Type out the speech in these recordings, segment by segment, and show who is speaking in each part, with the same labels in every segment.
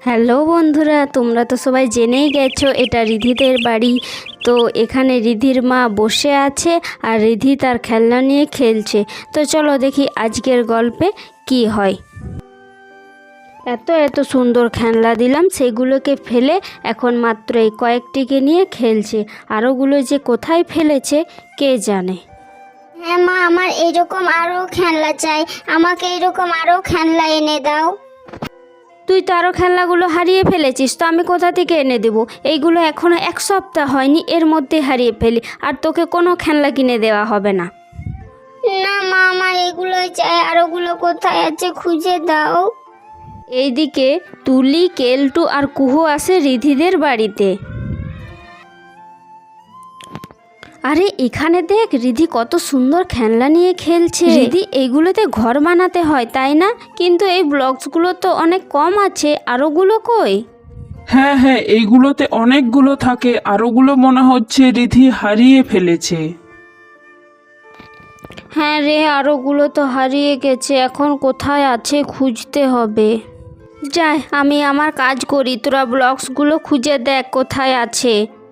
Speaker 1: Hello বন্ধুরা, তোমরা তো সবাই জেনেই গেছো এটা রিধিদের বাড়ি। তো এখানে রিধির মা বসে আছে আর রিধি তার খেলনা নিয়ে খেলছে। তো চলো দেখি আজকের গল্পে কি হয়। এত এত সুন্দর খেলনা দিলাম, সেগুলোকে ফেলে এখন মাত্র এই কয়েকটিকে নিয়ে খেলছে। আরোগুলো যে কোথায় ফেলেছে কে জানে।
Speaker 2: হ্যাঁ মা, আমার এরকম আরো খেলনা চাই, আমাকে এরকম আরো খেলনা এনে দাও।
Speaker 1: তুই তো আরও খেলনাগুলো হারিয়ে ফেলেছিস, তো আমি কোথা থেকে এনে দেবো? এইগুলো এখনও এক সপ্তাহ হয়নি, এর মধ্যে হারিয়ে ফেলি, আর তোকে কোনো খেলনা কিনে দেওয়া হবে না।
Speaker 2: না মা, আমার এগুলোই চাই, আর ওগুলো কোথায় আছে খুঁজে দাও।
Speaker 1: এইদিকে তুলি, কেলটু আর কুহু আসে রিধিদের বাড়িতে। আরে এখানে দেখ, রিধি কত সুন্দর খেলনা নিয়ে খেলছে। রিধি এইগুলোতে ঘর বানাতে হয় তাই না? কিন্তু এই ব্লকসগুলো তো অনেক কম আছে, আরোগুলো কই?
Speaker 3: হ্যাঁ হ্যাঁ, এইগুলোতে অনেকগুলো থাকে, আরোগুলো মনে হচ্ছে রিধি হারিয়ে ফেলেছে।
Speaker 1: হ্যাঁ রে, আরোগুলো তো হারিয়ে গেছে, এখন কোথায় আছে খুঁজতে হবে। যাই, আমি আমার কাজ করি, তোরা ব্লকসগুলো খুঁজে দেখ কোথায় আছে।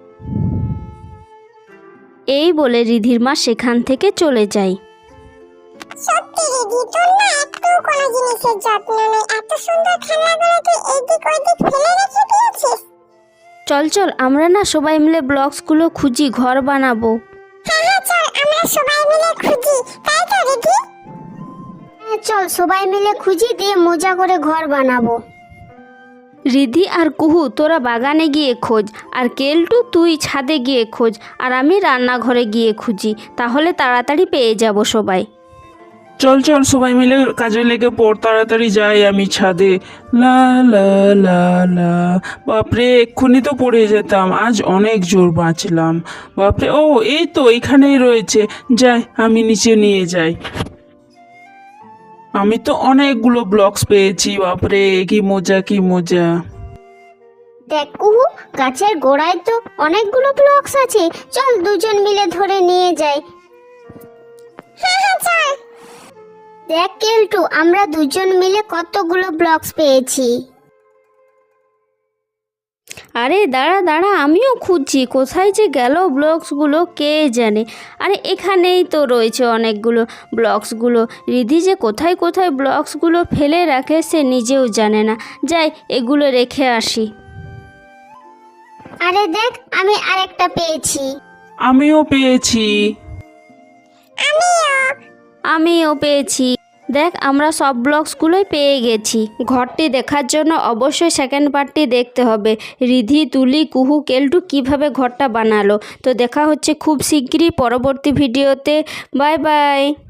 Speaker 1: এই বলে রিধির মা সেখান থেকে চলে যায়।
Speaker 2: সত্যি রিধি, তোর না একটু কোনো জিনিসের যত্ন নেই, এত সুন্দর খেলনাগুলো তুই এইদিক ওইদিক ফেলে রেখে দিয়েছিস।
Speaker 1: চল চল, আমরা না সবাই মিলে ব্লকসগুলো খুঁজি, ঘর বানাবো।
Speaker 2: হ্যাঁ হ্যাঁ, চল আমরা সবাই মিলে খুঁজি, তাই তো রিধি? হ্যাঁ চল, সবাই মিলে খুঁজি, দিয়ে মজা করে ঘর বানাবো।
Speaker 1: রিধি আর কুহু তোরা বাগানে গিয়ে খোঁজ, আর কেলটু তুই ছাদে গিয়ে খোঁজ, আর আমি রান্নাঘরে গিয়ে খুঁজি, তাহলে তাড়াতাড়ি পেয়ে যাব সবাই।
Speaker 3: চল চল, সবাই মিলে কাজে লেগে পড়, তাড়াতাড়ি যাই আমি ছাদে। লা লা লা লা, বাপরে এক্ষুনি তো পড়ে যেতাম, আজ অনেক জোর বাঁচলাম। বাপরে, ও এই তো এখানেই রয়েছে, যাই আমি নিচে নিয়ে যাই। আমি তো অনেকগুলো ব্লকস পেয়েছি, বাপরে কি মজা কি মজা।
Speaker 2: দেখ কুহু, গাছের গোড়ায় তো অনেকগুলো ব্লকস আছে, চল দুজন মিলে ধরে নিয়ে যাই। হ্যাঁ হ্যাঁ চল। দেখ কেলটু, আমরা দুজন মিলে কতগুলো ব্লকস পেয়েছি।
Speaker 1: আরে দাঁড়া দাঁড়া, আমিও খুঁজছি, কোথায় যে গেল ব্লকসগুলো কে জানে। আরে এখানেই তো রয়েছে অনেকগুলো ব্লকসগুলো। রিধি যে কোথায় কোথায় ব্লকসগুলো ফেলে রাখে সে নিজেও জানে না। যাই, এগুলো রেখে আসি।
Speaker 2: আরে দেখ, আমি আরেকটা পেয়েছি।
Speaker 3: আমিও পেয়েছি।
Speaker 1: আমিও পেয়েছি। দেখ, আমরা সব ব্লকসগুলোই পেয়ে গেছি। ঘরটি দেখার জন্য অবশ্যই সেকেন্ড পার্টটি দেখতে হবে, রিধি, তুলি, কুহু, কেলটু কিভাবে ঘরটা বানালো। তো দেখা হচ্ছে খুব শিগগিরই পরবর্তী ভিডিওতে। Bye by.